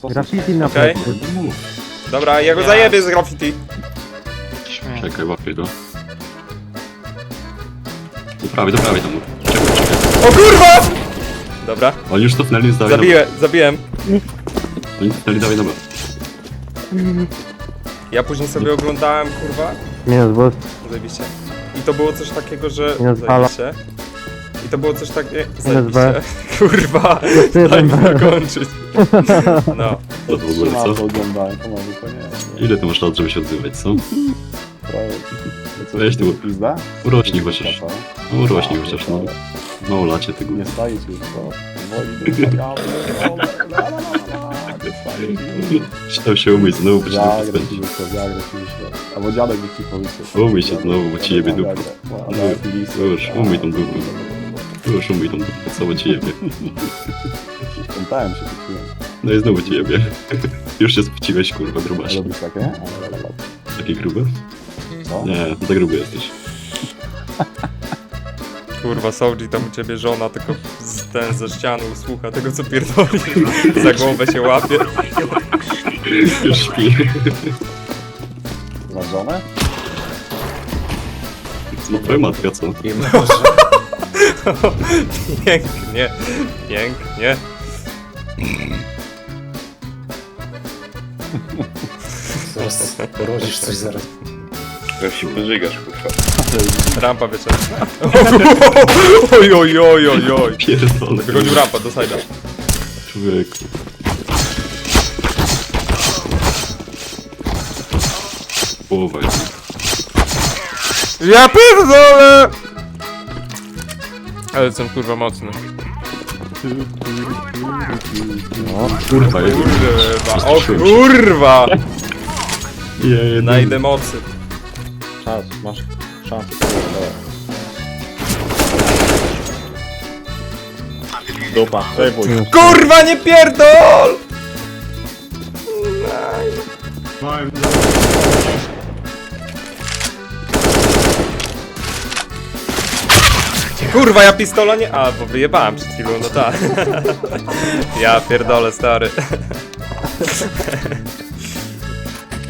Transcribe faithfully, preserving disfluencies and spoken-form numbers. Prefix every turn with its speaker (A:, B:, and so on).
A: Graffiti na
B: Okej.
A: plecy.
B: Dobra, ja go
C: Ja-
B: zajebię z graffiti.
C: Śmiech.
D: Czekaj, łapię go. Do prawej, do prawej tam. Czekaj, czekaj.
B: O kurwa! Dobra,
D: Oni już cofnęli, zdali
B: zabiję, zabiłem.
D: Oni cofnęli, dawaj dobra.
B: Ja później sobie oglądałem, kurwa.
A: Minus boost.
B: Zajebiście. I to było coś takiego, że...
A: Minus fala.
B: Zajebiście. I to było coś takiego...
A: B.
B: Zajebiście. Kurwa, daj
A: jeden
B: mi
A: B.
B: dokończyć. No.
D: To w ogóle,
E: Trzymam to
D: co?
E: oglądałem, to może to nie. nie.
D: Ile ty masz lat, żeby się odzywać, co?
E: Prawie. Co,
D: Weź tu.
E: Pizda?
D: Urośnij chociaż.
E: Co?
D: No urośnij chociaż, no. No lacie tego.
E: Nie staje ci już, to powoli do ja pierdolę, la, la, la, la, nie staje ci.
D: Chciał się umyć znowu, bo cię
E: Wiagrę
D: to
E: ci
D: spędzi.
E: wyszło, wiagrę ci wyszło. Albo dziadek niech ci powyszło.
D: Umyj się znowu, bo ci jebie dupę.
E: No,
D: Już, umyj tą dupę. Już umyj tą dupę, co bo ci jebie.
E: Pamiętałem się, poczułem.
D: No i znowu ci jebie. Już się spociłeś, kurwa, grubaś.
E: Robisz takie? Ale, ale, ale.
D: Takie grube?
E: Co?
D: Nie, za gruby jesteś.
B: Kurwa, Soulji, tam u ciebie żona tylko z, ten ze ściany słucha tego, co pierdoli. Za głowę się łapie.
D: Już śpi.
E: Masz żonę?
D: No twoja matka, co?
B: Pięknie, pięknie.
F: Zaraz porodzisz coś zaraz.
G: Jak się pożygasz, kurwa.
B: Rampa wieczorna. Oj, oj, oj, oj, oj.
D: Pierdolę.
B: Wychodził rampa do sajda.
D: Człowieku. Połowa jest.
B: Ja pierdolę! Ale jestem kurwa mocny.
D: No, kurwa, jak
B: Kurwa, o kurwa!
D: je,
B: Najdę mocy.
E: Czas, masz szansę. Dupa, przejmuj.
B: Kurwa, nie pierdol! Kurwa, ja pistola nie... A, bo wyjebałem przed chwilą, no tak. Ja pierdolę, stary.